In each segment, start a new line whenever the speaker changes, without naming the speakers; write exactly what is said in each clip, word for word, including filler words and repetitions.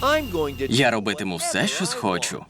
Я робитиму все, що схочу.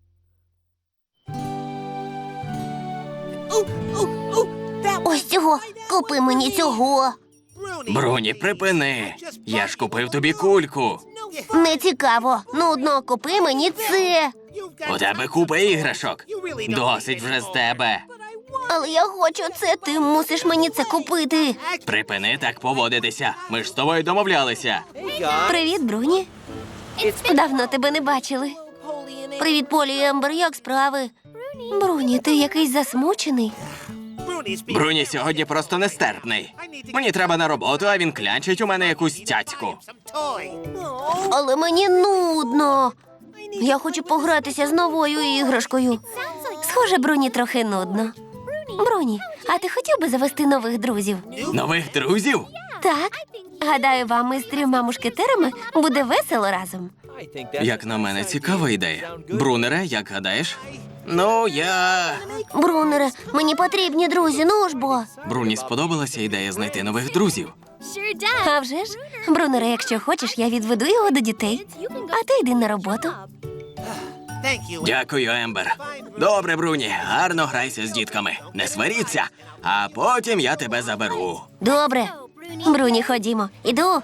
Ось цього. Купи мені цього.
Бруні, припини. Я ж купив тобі кульку.
Не цікаво. Нудно, купи мені це.
У тебе купа іграшок. Досить вже з тебе.
Але я хочу це, ти мусиш мені це купити.
Припини так поводитися. Ми ж з тобою домовлялися.
Привіт, Бруні. Давно тебе не бачили. Привіт, Полі і Ембер, як справи? Бруні, ти якийсь засмучений.
Бруні сьогодні просто нестерпний. Мені треба на роботу, а він клянчить у мене якусь цяцьку.
Але мені нудно. Я хочу погратися з новою іграшкою. Схоже, Бруні трохи нудно. Бруні, а ти хотів би завести нових друзів?
Нових друзів?
Так. Гадаю, вам із трьома мушкетерами буде весело разом.
Як на мене, цікава ідея. Брунере, як гадаєш? Ну, я...
Брунере, мені потрібні друзі, ну ж бо.
Бруні сподобалася ідея знайти нових друзів.
А вже ж, Брунере, якщо хочеш, я відведу його до дітей. А ти йди на роботу.
Дякую, Ембер. Добре, Бруні, гарно грайся з дітками. Не сваріться, а потім я тебе заберу.
Добре. Бруні, ходімо. Іду.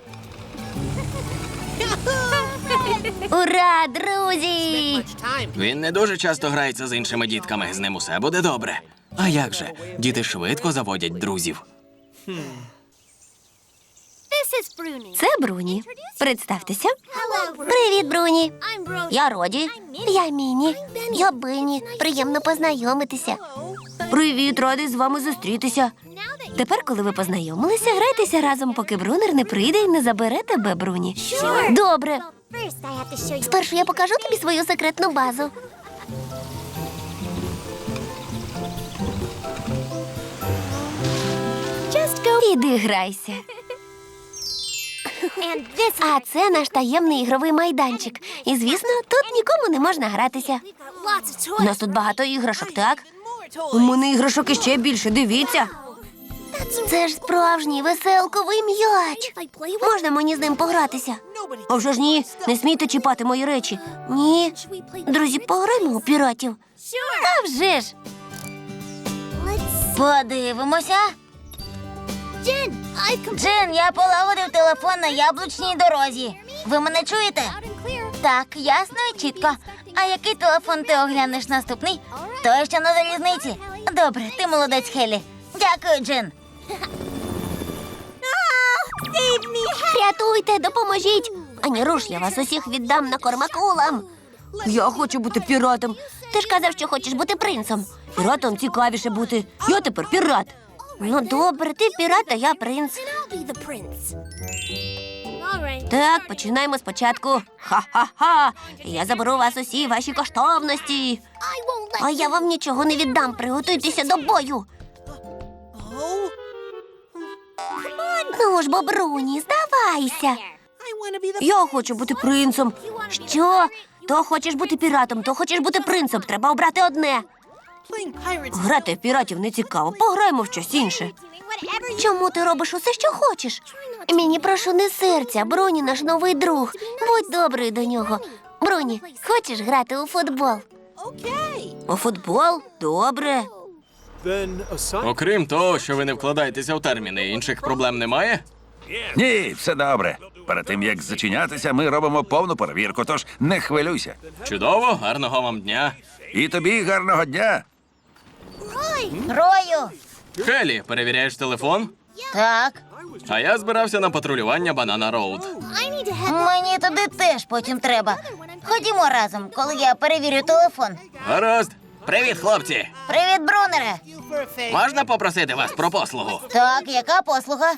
Ура, друзі!
Він не дуже часто грається з іншими дітками, з ним усе буде добре. А як же? Діти швидко заводять друзів.
Це Бруні. Представтеся. Привіт, Бруні. Я Роді. Я Міні. Я Бенні. Приємно познайомитися. Привіт, радий з вами зустрітися. Тепер, коли ви познайомилися, грайтеся разом, поки Брунер не прийде і не забере тебе, Бруні. Добре. Спершу я покажу тобі свою секретну базу. Іди грайся. А це наш таємний ігровий майданчик. І, звісно, тут нікому не можна гратися. У нас тут багато іграшок, так? У мене іграшок іще більше, дивіться. Це ж справжній веселковий м'яч. Можна мені з ним погратися? А вже ж ні, не смійте чіпати мої речі. Ні. Друзі, пограємо у піратів. А вже ж. Подивимося. Джин, я полагодив телефон на яблучній дорозі. Ви мене чуєте? Так, ясно і чітко. А який телефон ти оглянеш наступний? Той, що на залізниці. Добре, ти молодець, Хелі. Дякую, Джин. Рятуйте, допоможіть. Ані руш, я вас усіх віддам на кормакулам. Я хочу бути піратом. Ти ж казав, що хочеш бути принцем. Піратом цікавіше бути. Я тепер пірат. Ну, добре, ти пірат, а я принц. Так, починаємо спочатку. Ха-ха-ха! Я заберу вас усі ваші коштовності. А я вам нічого не віддам. Приготуйтеся до бою. Ну ж, бо, Бруні, здавайся. Я хочу бути принцем. Що? То хочеш бути піратом, то хочеш бути принцем. Треба обрати одне. Грати в піратів не цікаво. Пограємо в щось інше. Чому ти робиш усе, що хочеш? Мені, прошу, не серця. Бруні наш новий друг. Будь добрий до нього. Бруні, хочеш грати у футбол? У футбол? Добре.
Окрім того, що ви не вкладаєтеся в терміни, інших проблем немає?
Ні, все добре. Перед тим, як зачинятися, ми робимо повну перевірку, тож не хвилюйся.
Чудово, гарного вам дня.
І тобі гарного дня.
Рою.
Хелі, перевіряєш телефон?
Так.
А я збирався на патрулювання Банана Роуд.
Мені туди теж потім треба. Ходімо разом, коли я перевірю телефон.
Гаразд. Привіт, хлопці.
Привіт, Брунере.
Можна попросити вас про послугу?
Так, яка послуга?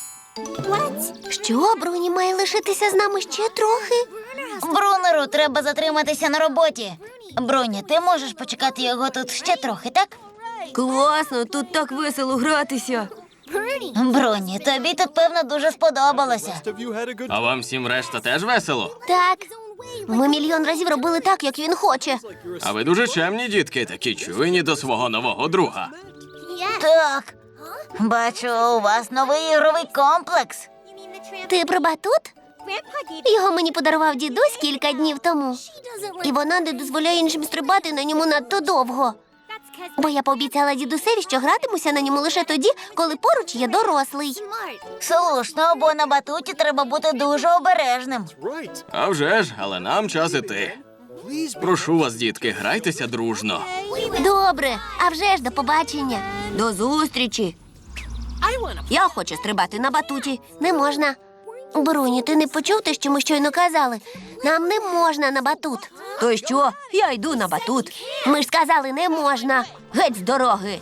Що, Бруні має лишитися з нами ще трохи? Брунеру треба затриматися на роботі. Бруні, ти можеш почекати його тут ще трохи, так?
Класно, тут так весело гратися.
Бруні, тобі тут, певно, дуже сподобалося.
А вам всім решта теж весело?
Так. Ми мільйон разів робили так, як він хоче.
А ви дуже чемні, дітки, такі чуйні до свого нового друга.
Так. Бачу, у вас новий ігровий комплекс. Ти про батут? Його мені подарував дідусь кілька днів тому. І вона не дозволяє іншим стрибати на ньому надто довго. Бо я пообіцяла дідусеві, що гратимуся на ньому лише тоді, коли поруч є дорослий.
Слушно, бо на батуті треба бути дуже обережним.
А вже ж, але нам час іти. Прошу вас, дітки, грайтеся дружно.
Добре, а вже ж до побачення.
До зустрічі.
Я хочу стрибати на батуті. Не можна. Бруні, ти не почув те, що ми щойно казали? Нам не можна на батут.
То що? Я йду на батут.
Ми ж сказали, не можна.
Геть з дороги.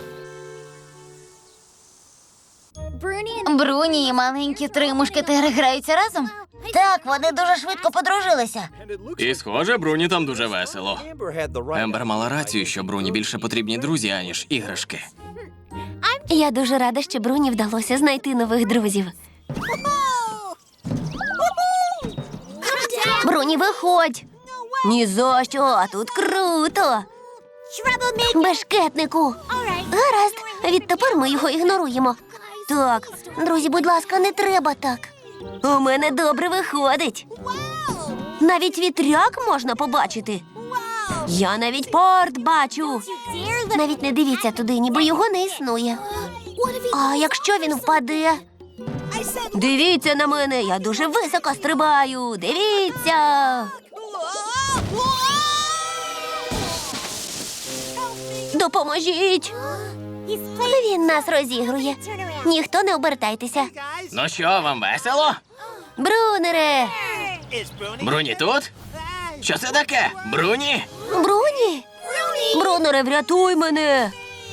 Бруні і маленькі три мушкетери граються разом? Так, вони дуже швидко подружилися.
І схоже, Бруні там дуже весело. Ембер мала рацію, що Бруні більше потрібні друзі, аніж іграшки.
Я дуже рада, що Бруні вдалося знайти нових друзів. Бруні, виходь.
Ні за що, а тут
Круто. Бешкетнику. Гаразд, відтепер ми його ігноруємо. Так, друзі, будь ласка, не треба так.
у мене добре виходить.
Навіть вітряк можна побачити.
Я навіть порт бачу.
Навіть не дивіться туди, ніби його не існує. А якщо він впаде?
Дивіться на мене, я дуже високо стрибаю. Дивіться.
Допоможіть! Він нас розігрує. Ніхто не обертайтеся.
Ну що, вам весело?
Брунере!
Бруні тут? Що це таке? Бруні?
Бруні?
Брунере, врятуй мене.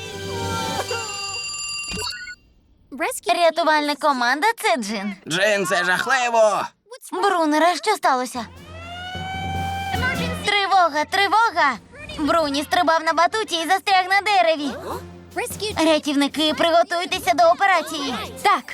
Рятувальна команда – це Джин.
Джин, це жахливо!
Брунере, що сталося? Тривога, тривога! Бруні стрибав на батуті і застряг на дереві. Рятівники, приготуйтеся до операції.
Так.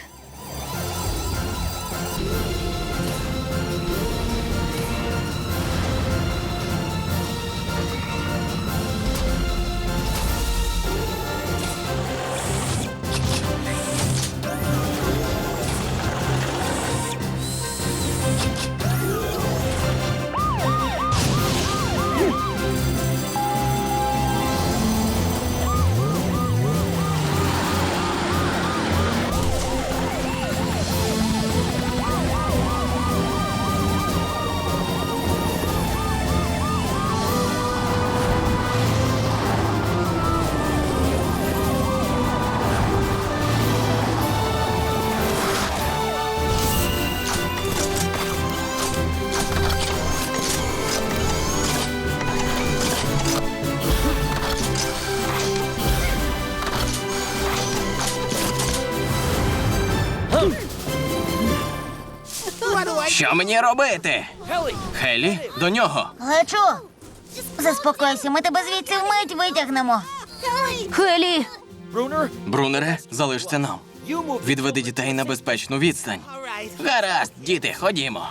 Що мені робити? Хелі, до нього.
Лечу! Заспокойся, ми тебе звідси вмить витягнемо.
Хелі,
Брунере, залишся нам. Відведи дітей на безпечну відстань. Гаразд, діти, ходімо.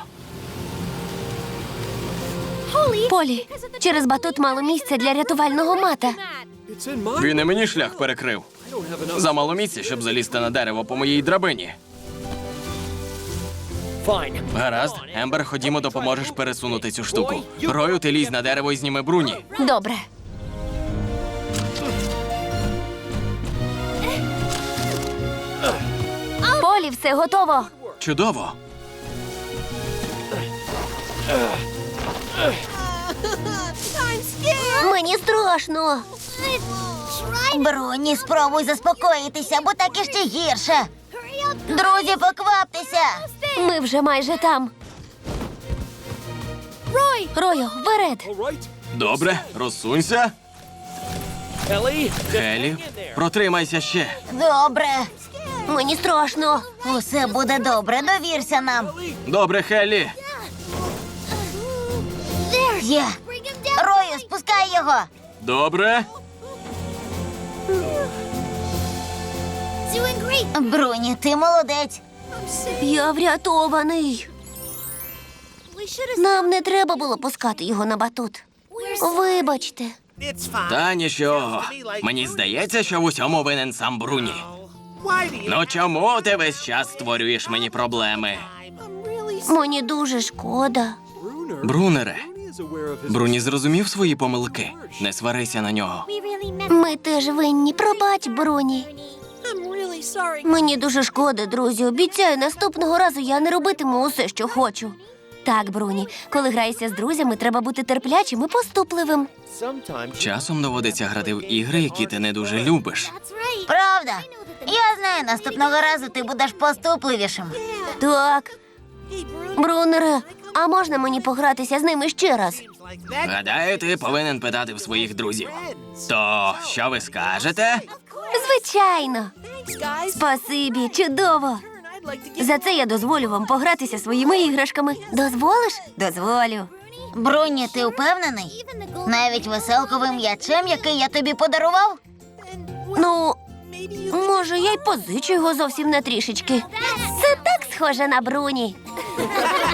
Полі, через батут мало місця для рятувального мата.
Він і мені шлях перекрив. Замало місця, щоб залізти на дерево по моїй драбині. Гаразд, Ембер, ходімо, допоможеш пересунути цю штуку. Рою, ти лізь на дерево і зніми Бруні.
Добре. Полі, все готово.
Чудово.
Мені страшно.
Бруні, спробуй заспокоїтися, бо так іще гірше. Друзі, покваптеся!
Ми вже майже там. Рою, вперед.
Добре, розсунься. Хелі, протримайся ще.
Добре.
Мені страшно.
Усе буде добре, довірся нам.
Добре, Хелі.
Є. Рою, спускай його.
Добре.
Бруні, ти молодець.
Я врятований. Нам не треба було пускати його на батут. Вибачте.
Та нічого. Мені здається, що в усьому винен сам Бруні. Ну чому ти весь час створюєш мені проблеми?
Мені дуже шкода.
Брунере, Бруні зрозумів свої помилки. Не сварися на нього.
Ми теж винні. Пробач, Бруні. Мені дуже шкода, друзі. Обіцяю, наступного разу я не робитиму усе, що хочу. Так, Бруні, коли граєшся з друзями, треба бути терплячим і поступливим.
Часом доводиться грати в ігри, які ти не дуже любиш.
Правда. Я знаю, наступного разу ти будеш поступливішим.
Так. Брунере, а можна мені погратися з ними ще раз?
Гадаю, ти повинен питати в своїх друзів. То що ви скажете?
Звичайно. Спасибі, чудово. За це я дозволю вам погратися своїми іграшками. Дозволиш? Дозволю.
Бруні, ти впевнений? Навіть веселковим м'ячем, який я тобі подарував?
Ну, може, я й позичу його зовсім на трішечки. Це так схоже на Бруні.